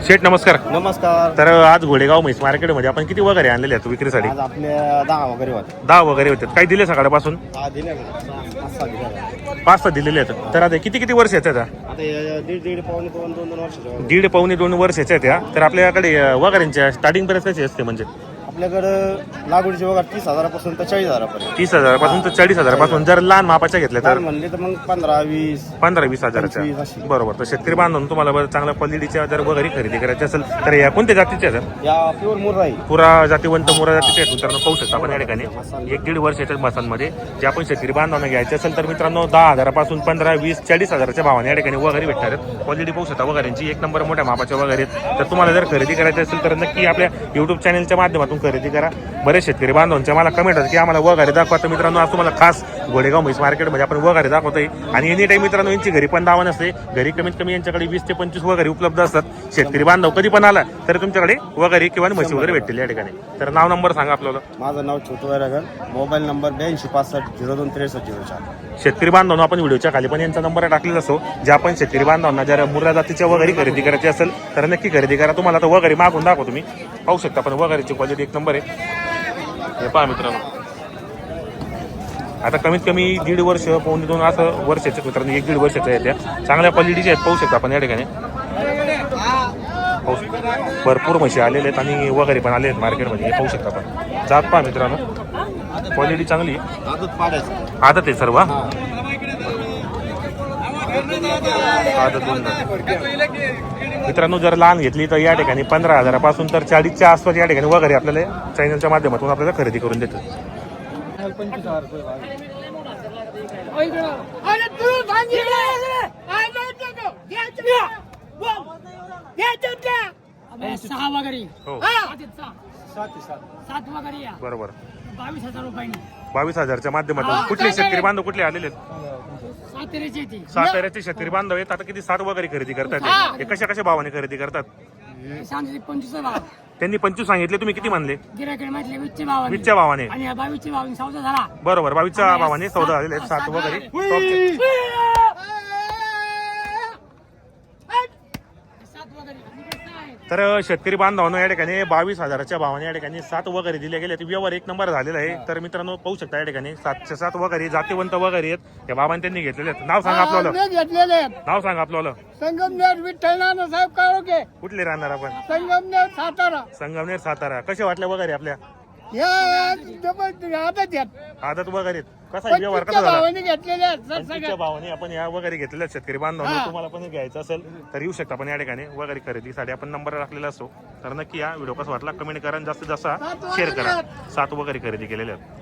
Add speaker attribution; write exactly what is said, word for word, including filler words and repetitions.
Speaker 1: शेठ नमस्कार.
Speaker 2: नमस्कार.
Speaker 1: तर आज घोडेगाव म्हैस मार्केटमध्ये आपण किती वगैरे आणलेले आहेत विक्रीसाठी?
Speaker 2: आज आपल्या दहा वगैरे होते.
Speaker 1: दहा वगैरे होते. काही दिले सकाळपासून?
Speaker 2: दहा दिले ना. पाच सहा दिले ना.
Speaker 1: पाच सहा दिलेले आहेत. तर आता किती किती वर्षाचे आहेत?
Speaker 2: आता हे दीड दीड पावणे दोन दोन दोन वर्षाचे.
Speaker 1: दीड पावणे दोन वर्षाचे आहेत या. तर आपल्याकडे वगैरेंच्या स्टार्टिंग प्राइस कशी असते? म्हणजे
Speaker 2: आपल्याकडं लागवडीचे वगैरे तीस हजारापासून तर चाळीस हजारापर्यंत.
Speaker 1: तीस हजारापासून तर चाळीस हजारापासून. जर लहान मापाच्या घेतल्या
Speaker 2: तर
Speaker 1: तर
Speaker 2: म्हणले तर मग पंधरा वीस
Speaker 1: पंधरा वीस हजाराच्या
Speaker 2: पंचवीस अशी.
Speaker 1: बरोबर. तर शेतकरी बांधून तुम्हाला बरं चांगल्या क्वालिटीच्या जर वगैरे खरेदी करायची असेल तर या कोणत्या जातीच्या आहेत?
Speaker 2: या प्युअर मुर्रा आहे.
Speaker 1: पुरा जातीवंत मोरा जातीचे आहेत मित्रांनो. पाहू शकता आपण या ठिकाणी एक दीड वर्षाच्या मसांमध्ये जे आपण शेतकरी बांधवांना घ्यायचे असेल तर मित्रांनो दहा हजारापासून पंधरा वीस चाळीस हजाराच्या भावाने या ठिकाणी वगैरे भेटणार आहेत. क्वालिटी पाहू शकता वगैरेंची एक नंबर मोठ्या मापाच्या वगैरे आहेत. तर तुम्हाला जर खरेदी करायची असेल तर नक्की आपल्या युट्यूब चॅनलच्या माध्यमातून खरेदी करा. बरेच शेतकरी बांधवांच्या मला कमेंट होतं की आम्हाला वगैरे दाखवा. तर मित्रांनो आज तुम्हाला खास घोडेगाव म्हैस मार्केटमध्ये आपण वगैरे दाखवतोय. आणि एनी टाईम मित्रांनो यांची घरी पण दावा नसते. घरी कमीत कमी यांच्याकडे वीस ते पंचवीस वगैरे उपलब्ध असतात. शेतकरी बांधव कधी पण आला तर तुमच्याकडे वगैरे किंवा म्हशी वगैरे भेटतील या ठिकाणी. तर नाव नंबर सांगा आपल्याला.
Speaker 2: माझं नाव छोटू वैरागर. मोबाईल नंबर ब्याऐंशी पासष्ट झिरो दोन त्रेसष्ट झिरो चार.
Speaker 1: शेतकरी बांधवांना आपण व्हिडिओच्या खाली पण यांचा नंबर टाकलेला असो. जे आपण शेतकरी बांधवांना जर मुर्रा जातीच्या वगैरे खरेदी करायची असेल तर नक्की खरेदी करा. तुम्हाला आता वगैरे मागून दाखवतो तुम्ही पाहू शकता. पण वगैरेची क्वालिटी एक नंबर आहे. हे पहा मित्रांनो आता कमीत कमी दीड वर्ष पावणे दोन असं वर्षाचे मित्रांनो एक दीड वर्षाच्या आहेत. त्या चांगल्या क्वालिटीच्या आहेत पाहू शकता आपण या ठिकाणी. भरपूर म्हशी आलेले आहेत आणि वगैरे पण आले आहेत मार्केटमध्ये. हे पाहू शकता आपण. जात पहा मित्रांनो क्वालिटी चांगली
Speaker 2: आदत पाडायचं.
Speaker 1: आदत आहे सर्व. आदत दोन मित्रांनो जर लहान घेतली तर या ठिकाणी पंधरा हजारापासून तर चाळीसच्या आसपास या ठिकाणी वगैरे आपल्याला चॅनलच्या माध्यमातून आपल्याला खरेदी करून देतात.
Speaker 3: सहा वगैरे
Speaker 1: हो
Speaker 3: सात वगैरे या
Speaker 1: बरोबर.
Speaker 3: बावीस हजार रुपयांनी
Speaker 1: बावीस हजारच्या माध्यमातून कुठले शेतकरी बांधव कुठले आलेले आहेत?
Speaker 3: सातेरीची ती
Speaker 1: साताऱ्याचे शेतकरी बांधव आहेत. आता किती सात वगैरे खरेदी करतात हे कशा कशा भावाने खरेदी करतात?
Speaker 3: सांगते पंचवीस भाव
Speaker 1: त्यांनी पंचवीस सांगितले तुम्ही किती म्हणले?
Speaker 3: गिराकडे म्हटले वीसचे भावाने
Speaker 1: वीसच्या भावाने
Speaker 3: आणि या बावीसचे भावाने सौदा झाला.
Speaker 1: बरोबर. बावीसच्या भावाने सौदा झालेले आहेत. सात वगैरे टॉपचे.
Speaker 3: सात वगैरे
Speaker 1: तर शेतकरी बांधवांना या ठिकाणी बावीस हजाराच्या भावाने या ठिकाणी सात वगैरे दिले गेले. व्यवहार एक नंबर झालेला आहे. तर मित्रांनो पाहू शकता या ठिकाणी सातशे सात वगैरे जातीवंत वगैरे आहेत. या बाबांनी त्यांनी घेतलेले आहेत. नाव सांगा आपल्याला.
Speaker 3: घेतलेले
Speaker 1: नाव सांगा आपल्याला.
Speaker 3: संगमनेर विठ्ठल नानासाहेब काळोखे
Speaker 1: कुठले राहणार आपण?
Speaker 3: संगमनेर सातारा.
Speaker 1: संगमनेर सातारा. कसे वाटले वगैरे आपल्या?
Speaker 3: या डबल आदत आहेत.
Speaker 1: आदत वगैरे कसा आहे व्यवहार कसा झाला?
Speaker 3: भावाने घेतलेले आहेत सर
Speaker 1: पंचवीसच्या
Speaker 3: सगळ्या.
Speaker 1: भावाने आपण या वगैरे घेतलेल्या आहेत शेतकरी बांधवांना. तुम्हाला पण घ्यायचं असेल तर येऊ शकता. पण या ठिकाणी वगैरे खरेदीसाठी आपण नंबर टाकलेला असतो. तर नक्की या व्हिडिओ कसा वाटला कमेंट करा आणि जास्तीत जास्त शेअर करा. सात वगैरे खरेदी केलेले आहेत.